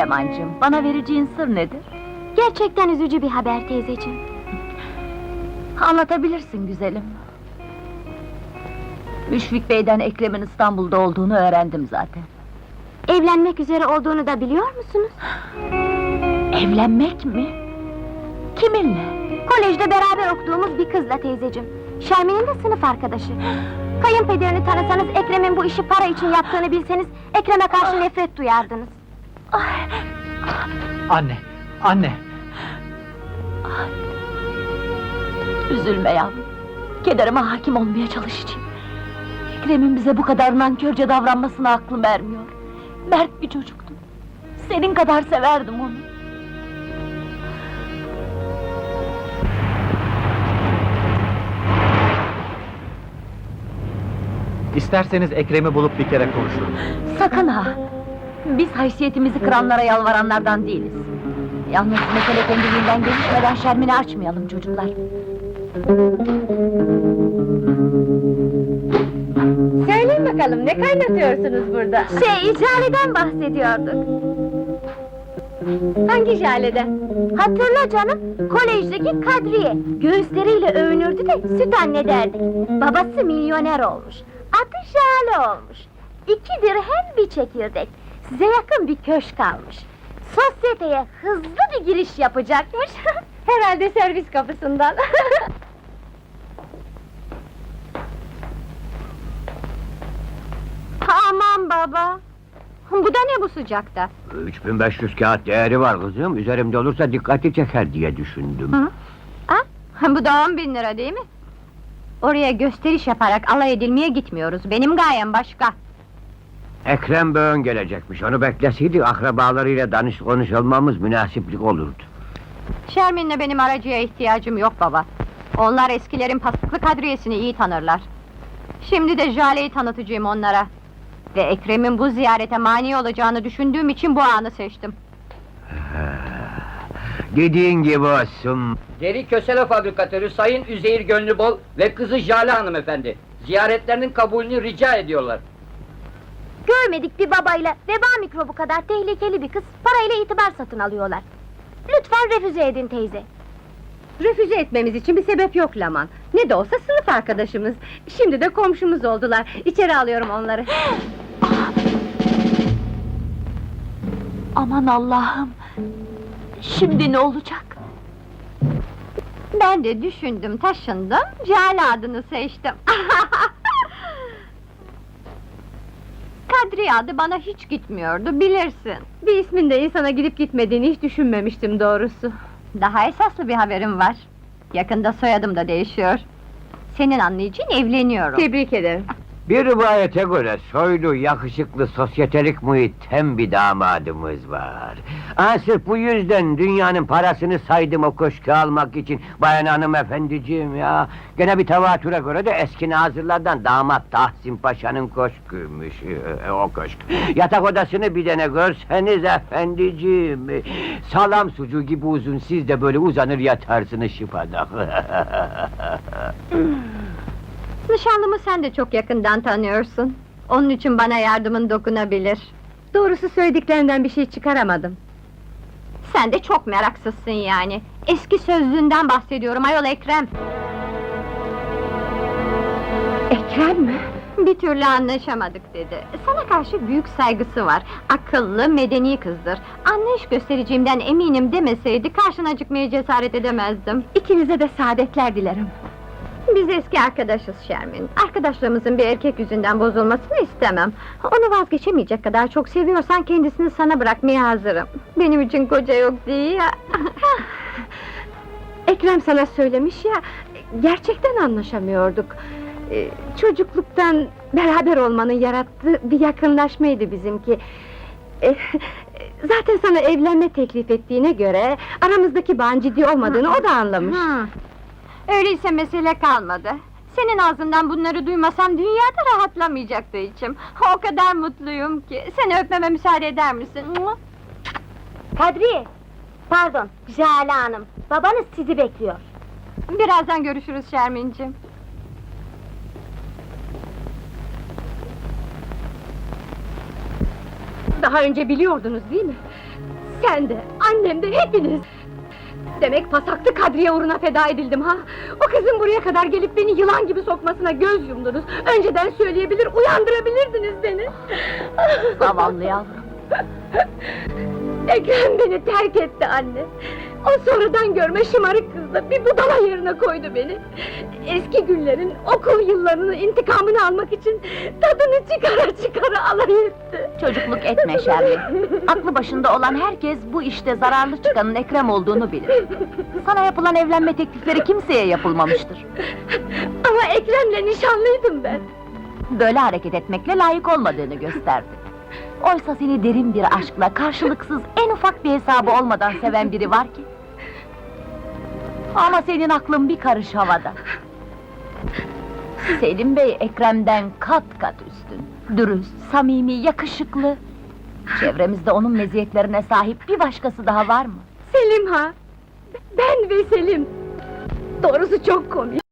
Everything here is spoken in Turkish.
Leman'cığım, bana vereceğin sır nedir? Gerçekten üzücü bir haber teyzeciğim. Anlatabilirsin güzelim. Müşfik Bey'den Ekrem'in İstanbul'da olduğunu öğrendim zaten. Evlenmek üzere olduğunu da biliyor musunuz? Evlenmek mi? Kiminle? Kolejde beraber okuduğumuz bir kızla teyzeciğim. Şermin'in de sınıf arkadaşı. Kayınpederini tanısanız, Ekrem'in bu işi para için yaptığını bilseniz, Ekrem'e karşı nefret duyardınız. Anne, anne! Üzülme yavrum. Kederime hakim olmaya çalışacağım. Ekrem'in bize bu kadar nankörce davranmasına aklım ermiyor. Mert bir çocuktu. Senin kadar severdim onu. İsterseniz Ekrem'i bulup bir kere konuşurum. Sakın ha! Biz haysiyetimizi kıranlara yalvaranlardan değiliz. Yalnız mesele kendiliğinden gelişmeden Şermin'i açmayalım çocuklar. Söyleyin bakalım, ne kaynatıyorsunuz burada? Jale'den bahsediyorduk. Hangi Jale'den? Hatırla canım, kolejdeki Kadriye. Göğüsleriyle övünürdü de süt anne derdik. Babası milyoner olmuş. Adı Jale olmuş. 2 dirhem bir çekirdek. Size yakın bir köşk almış. Sosyeteye hızlı bir giriş yapacakmış. Herhalde servis kapısından. Aman baba! Bu da ne bu sıcakta? 3500 kağıt değeri var kızım. Üzerimde olursa dikkati çeker diye düşündüm. Hı? Bu da 10.000 lira değil mi? Oraya gösteriş yaparak alay edilmeye gitmiyoruz. Benim gayem başka. Ekrem Böğün gelecekmiş. Onu bekleseydik akrabalarıyla konuşulmamız münasiplik olurdu. Şermin'le benim aracıya ihtiyacım yok baba. Onlar eskilerin pasıklı kadriyesini iyi tanırlar. Şimdi de Jale'yi tanıtacağım onlara. Ve Ekrem'in bu ziyarete mani olacağını düşündüğüm için bu anı seçtim. Dediğin gibi olsun. Deri kösele fabrikatörü Sayın Üzeyir Gönlübol ve kızı Jale hanımefendi. Ziyaretlerinin kabulünü rica ediyorlar. Görmedik bir babayla veba mikrobu kadar tehlikeli bir kız parayla itibar satın alıyorlar. Lütfen refüze edin teyze. Refüze etmemiz için bir sebep yok Laman. Ne de olsa sınıf arkadaşımız. Şimdi de komşumuz oldular. İçeri alıyorum onları. Aman Allah'ım! Şimdi ne olacak? Ben de düşündüm, taşındım, Jale adını seçtim. Kadriye adı bana hiç gitmiyordu, bilirsin. Bir ismin de insana gidip gitmediğini hiç düşünmemiştim doğrusu. Daha esaslı bir haberim var. Yakında soyadım da değişiyor. Senin anlayacağın evleniyorum. Tebrik ederim. Bir rivayete göre soylu, yakışıklı, sosyetelik muhitten bir damadımız var. Sırf bu yüzden dünyanın parasını saydım o köşkü almak için. Bayan hanımefendiciğim ya. Gene bir tevatüre göre de eski nazırlardan damat Tahsin Paşa'nın köşküymüş o köşk. Yatak odasını bir dene görseniz efendiciğim. Salam sucuğu gibi uzun, siz de böyle uzanır yatarsınız şıpadak. Nişanlımı sen de çok yakından tanıyorsun. Onun için bana yardımın dokunabilir. Doğrusu söylediklerinden bir şey çıkaramadım. Sen de çok meraksızsın yani. Eski sözlüğünden bahsediyorum ayol Ekrem. Ekrem mi? Bir türlü anlaşamadık dedi. Sana karşı büyük saygısı var. Akıllı, medeni kızdır. Anlayış göstereceğimden eminim demeseydi karşına çıkmaya cesaret edemezdim. İkinize de saadetler dilerim. Biz eski arkadaşız Şermin. Arkadaşlarımızın bir erkek yüzünden bozulmasını istemem. Onu vazgeçemeyecek kadar çok seviyorsan kendisini sana bırakmaya hazırım. Benim için koca yok değil ya. Ekrem sana söylemiş ya, gerçekten anlaşamıyorduk. Çocukluktan beraber olmanın yarattığı bir yakınlaşmaydı bizimki. Zaten sana evlenme teklif ettiğine göre aramızdaki bağın ciddi olmadığını o da anlamış. Öyleyse mesele kalmadı. Senin ağzından bunları duymasam dünyada rahatlamayacaktı içim. O kadar mutluyum ki. Seni öpmeme müsaade eder misin? Kadriye! Pardon, Jale Hanım. Babanız sizi bekliyor. Birazdan görüşürüz Şermin'cim. Daha önce biliyordunuz değil mi? Sen de, annem de, hepiniz! Demek pasaklı Kadriye uğruna feda edildim ha? O kızın buraya kadar gelip beni yılan gibi sokmasına göz yumdunuz. Önceden söyleyebilir, uyandırabilirdiniz beni. Zavallı yavrum. Ekrem beni terk etti anne. O sonradan görme şımarık kızla bir budala yerine koydu beni. Eski günlerin, okul yıllarının intikamını almak için tadını çıkara çıkara alay etti. Çocukluk etme Şermin. Aklı başında olan herkes bu işte zararlı çıkanın Ekrem olduğunu bilir. Sana yapılan evlenme teklifleri kimseye yapılmamıştır. Ama Ekrem'le nişanlıydım ben. Böyle hareket etmekle layık olmadığını gösterdi. Oysa seni derin bir aşkla, karşılıksız, en ufak bir hesabı olmadan seven biri var ki. Ama senin aklın bir karış havada. Selim Bey Ekrem'den kat kat üstün. Dürüst, samimi, yakışıklı. Çevremizde onun meziyetlerine sahip bir başkası daha var mı? Selim ha! Ben ve Selim! Doğrusu çok komik.